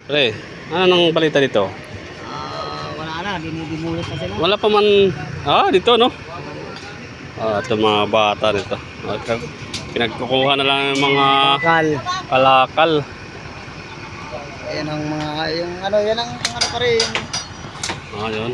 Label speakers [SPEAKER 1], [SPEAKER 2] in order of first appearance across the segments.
[SPEAKER 1] Pre, ano nang balita dito?
[SPEAKER 2] Wala na, dinidimulit na sila.
[SPEAKER 1] Wala pa man. Dito no. Ito mga bata dito. Pinagkukuha na lang yung mga
[SPEAKER 2] Bakal.
[SPEAKER 1] kalakal.
[SPEAKER 2] Yan ang mga, yung ano, yan ang ano pa rin.
[SPEAKER 1] Yun.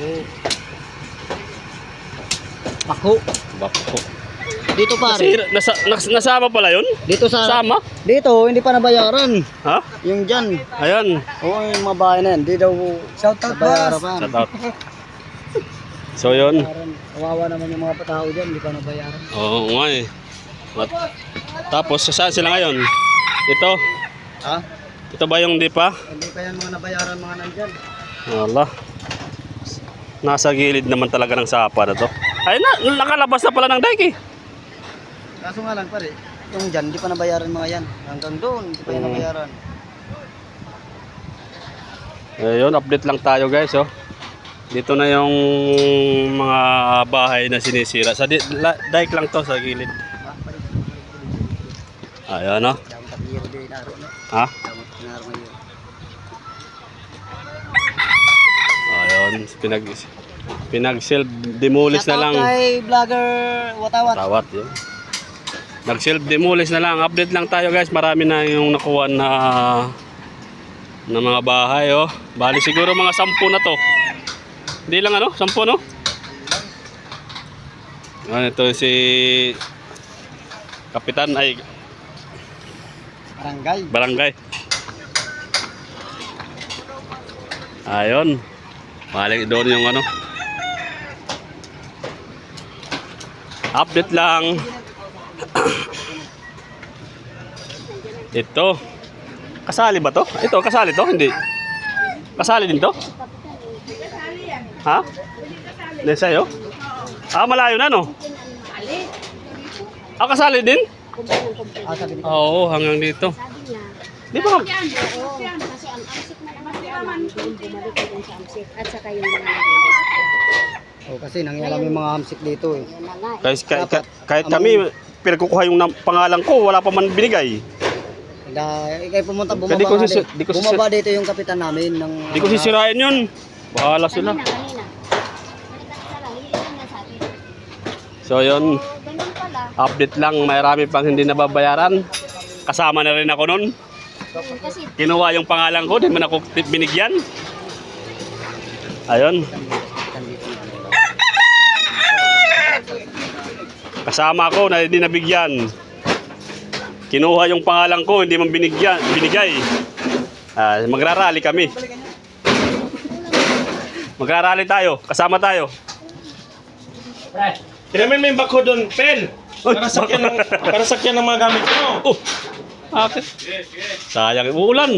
[SPEAKER 2] Pako.
[SPEAKER 1] Bako.
[SPEAKER 2] Dito pare.
[SPEAKER 1] Nasama pala yun?
[SPEAKER 2] Dito sa
[SPEAKER 1] Sama?
[SPEAKER 2] Dito hindi pa nabayaran.
[SPEAKER 1] Ha?
[SPEAKER 2] Yung diyan.
[SPEAKER 1] Ayan.
[SPEAKER 2] Oo, yung mga bahay na yan. Di daw shout out boss.
[SPEAKER 1] Shout out. So yun.
[SPEAKER 2] Kawawa naman yung mga tao diyan, hindi pa nabayaran.
[SPEAKER 1] Oo nga eh. Tapos saan sila ngayon? Ito.
[SPEAKER 2] Ha?
[SPEAKER 1] Ito ba yung di pa?
[SPEAKER 2] Hindi pa yan mga nabayaran mga nandyan.
[SPEAKER 1] Wala. Nasa gilid naman talaga ng sapa na to. Ay nakalabas na pala ng dike eh.
[SPEAKER 2] Kaso nga lang pare, yung dyan, hindi pa nabayaran mga yan. Hanggang doon, hindi pa yan nabayaran.
[SPEAKER 1] Ayun, update lang tayo guys oh. Dito na yung mga bahay na sinisira. Sa dike lang to sa gilid. Ayan oh. Ha? Ayun, pinag self demolish na lang.
[SPEAKER 2] Shout out kay vlogger Watawat.
[SPEAKER 1] Tawat yun. Nag self demolish na lang. Update lang tayo guys. Marami na yung nakuha na mga bahay oh. Bali siguro mga 10 na to. Hindi lang ano, 10 no? Ito si Kapitan ay Barangay. Ayun. Balik doon yung ano. Update lang. Ito. Kasali ba to? Ito, kasali to? Hindi. Kasali din to? Ha? Hindi sa'yo? Malayo na no? Kasali din? Oo, hanggang dito. Di ba?
[SPEAKER 3] Kasi ang amsik na naman bumalik din sa amsik at saka yung mga nag-invest.
[SPEAKER 2] Kasi nangyalam yung mga hamsik dito eh.
[SPEAKER 1] Kahit kami, pero kukuha yung pangalan ko, wala pa man binigay.
[SPEAKER 2] Ikay pumunta, bumaba dito yung kapitan namin.
[SPEAKER 1] Di ko sisirain yun. Bahala sila. So yun, update lang, marami pang hindi nababayaran. Kasama na rin ako nun. Kinuha yung pangalan ko, di man ako binigyan. Ayun. Kasama ko na hindi nabigyan. Kinuha yung pangalan ko, hindi man binigay. Magrarally kami. Magrarally tayo, kasama tayo.
[SPEAKER 4] Tiramin mo yung bako doon, Pen. Para sakyan ng mga gamit mo.
[SPEAKER 1] Bakit? Sayang, uulan.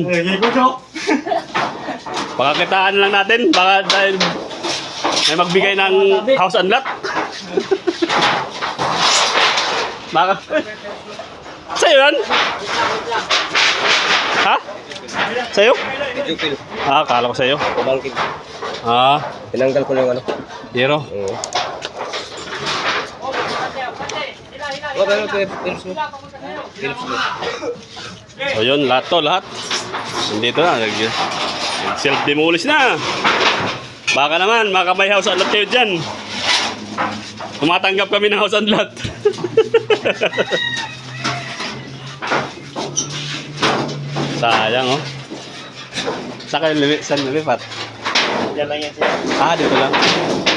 [SPEAKER 1] Pakakitaan lang natin, baka dahil may magbigay ng house and lot. Baka. Sa'yo yan? Ha? Sa'yo? Akala ko sa'yo.
[SPEAKER 4] Bangkit.
[SPEAKER 1] Tinanggal
[SPEAKER 4] ko na yung ano.
[SPEAKER 1] Zero.
[SPEAKER 4] Oo.
[SPEAKER 1] So yun, lahat. Nandito na. Self-demolish na. Baka naman, may house and lot kayo dyan. Tumatanggap kami ng house and lot. Sayang oh. Saan kayo saan lumipat?
[SPEAKER 4] Yan lang yan siya.
[SPEAKER 1] Dito lang.